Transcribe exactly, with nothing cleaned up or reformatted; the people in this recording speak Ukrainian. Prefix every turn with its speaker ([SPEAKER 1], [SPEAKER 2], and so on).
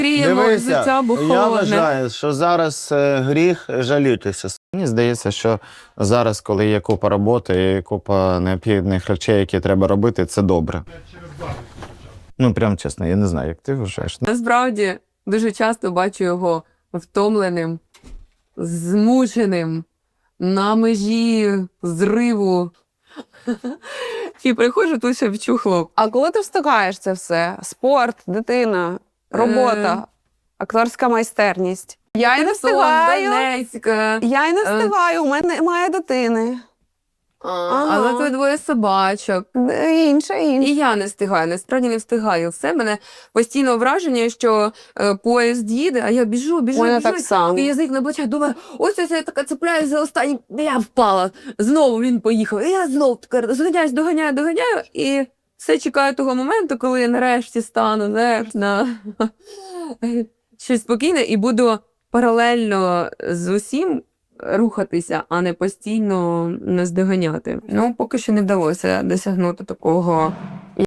[SPEAKER 1] Гріємо життя, бо холодне.
[SPEAKER 2] Я вважаю, що зараз е, гріх жалітися. Мені здається, що зараз, коли є купа роботи і купа необхідних речей, які треба робити, це добре. Ну, прям чесно, я не знаю, як ти вважаєш.
[SPEAKER 1] Насправді, дуже часто бачу його втомленим, змученим, на межі зриву. І приходжу, тут ще вчухло.
[SPEAKER 3] А коли ти встигаєш це все? Спорт, дитина, робота, акторська майстерність. Я й не встигаю.
[SPEAKER 1] Донецьк.
[SPEAKER 3] Я й не встигаю, у мене немає дитини.
[SPEAKER 1] Ага. Але тут двоє собачок.
[SPEAKER 3] Інше, інше.
[SPEAKER 1] І я не встигаю, насправді не встигаю. Все, мене постійно враження, що е, поїзд їде, а я біжу, біжу,
[SPEAKER 3] Мене
[SPEAKER 1] біжу.
[SPEAKER 3] так само.
[SPEAKER 1] І язик на плечах, думаю, ось ось я така цепляюсь за останній, я впала. Знову він поїхав. І я знову така зганяюсь, доганяю, доганяю. І все чекаю того моменту, коли я нарешті стану, знаєш, на щось спокійне і буду паралельно з усім рухатися, а не постійно наздоганяти. Ну, поки що не вдалося досягнути такого